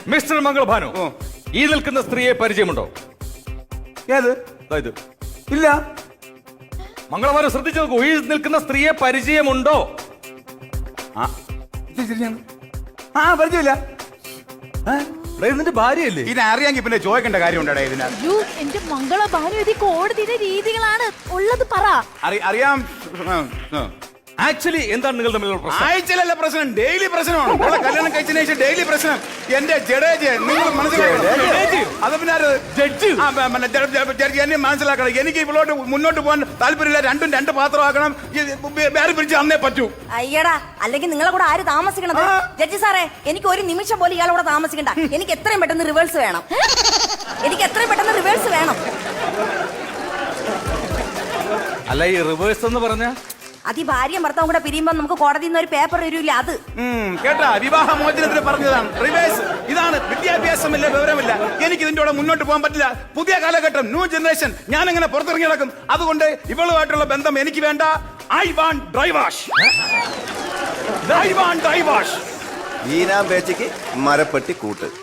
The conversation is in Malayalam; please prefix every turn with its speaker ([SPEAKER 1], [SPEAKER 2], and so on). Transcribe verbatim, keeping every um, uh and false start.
[SPEAKER 1] മിസ്റ്റർ മംഗളഭാനു, ഈ നിൽക്കുന്ന സ്ത്രീയെ പരിചയമുണ്ടോ?
[SPEAKER 2] ഏത്?
[SPEAKER 1] ഇത്
[SPEAKER 2] ഇല്ല.
[SPEAKER 1] മംഗളഭാനു ശ്രദ്ധിച്ചു നോക്കൂ, ഈ നിൽക്കുന്ന സ്ത്രീയെ പരിചയമുണ്ടോ?
[SPEAKER 2] ആ പരിചയമില്ല.
[SPEAKER 1] ഇതിന്റെ ഭാര്യയല്ലേ?
[SPEAKER 2] ഇതിനെ അറിയാമെങ്കിൽ പിന്നെ ചോദിക്കേണ്ട കാര്യം ഉണ്ടോ ഇതിനാ?
[SPEAKER 3] എന്റെ മംഗളഭാനു, ഇത് കോടതിയുടെ രീതികളാണ് ഉള്ളത്, പറ.
[SPEAKER 2] അറിയാം.
[SPEAKER 1] ആക്ച്വലി എന്താണ് നിങ്ങൾ തമ്മിലുള്ള പ്രശ്നം?
[SPEAKER 2] ആഴ്ചയിലല്ല പ്രശ്നം, ഡെയിലി പ്രശ്നമാണ്. ഇവിടെ കല്യാണം കഴിച്ചതിന് ശേഷം ഡെയിലി പ്രശ്നം. എന്റെ ജഡേജ് നിങ്ങൾ മനസ്സിലാക്കണം. അത് പിന്നെ ജഡ്ജ് എന്നെ മനസ്സിലാക്കണം. എനിക്ക് ഇവളോട്ട് മുന്നോട്ട് പോകാൻ താല്പര്യമില്ല. രണ്ടും രണ്ട് പാത്രമാക്കണം. വേറെ പിടിച്ച് അന്നേ പറ്റൂ.
[SPEAKER 4] അയ്യടാ, അല്ലെങ്കിൽ നിങ്ങളെ കൂടെ ആര് താമസിക്കണത്? ജഡ്ജി സാറേ, എനിക്ക് ഒരു നിമിഷം പോലും ഇയാളോടെ താമസിക്കണ്ട. എനിക്ക് എത്രയും പെട്ടെന്ന് റിവേഴ്സ് വേണം. എനിക്ക് എത്രയും പെട്ടെന്ന് റിവേഴ്സ് വേണം.
[SPEAKER 1] അല്ല, ഈ റിവേഴ്സ് എന്ന് പറഞ്ഞ
[SPEAKER 4] അത് ഈ ഭാര്യയും ഭർത്താവും കൂടെ പിരിയുമ്പോ നമുക്ക് കോടതിയിൽ നിന്ന് ഒരു പേപ്പർ വരില്ല. അത്
[SPEAKER 2] കേട്ടാ, വിവാഹ മോചനത്തിന് പറഞ്ഞതാണ് റിവേഴ്സ്. ഇതാണ് വിദ്യാഭ്യാസമില്ല, വിവരമില്ല. എനിക്ക് ഇതിന്റെ കൂടെ മുന്നോട്ട് പോകാൻ പറ്റില്ല. പുതിയ കാലഘട്ടം, ന്യൂ ജനറേഷൻ. ഞാൻ എങ്ങനെ പുറത്തിറങ്ങി നടക്കും? അതുകൊണ്ട് ഇവളുമായിട്ടുള്ള ബന്ധം എനിക്ക് വേണ്ട. I want dry wash. I want dry wash.
[SPEAKER 5] ഈനാം പേച്ചയ്ക്ക് മരപ്പെട്ടി കൂട്ട്.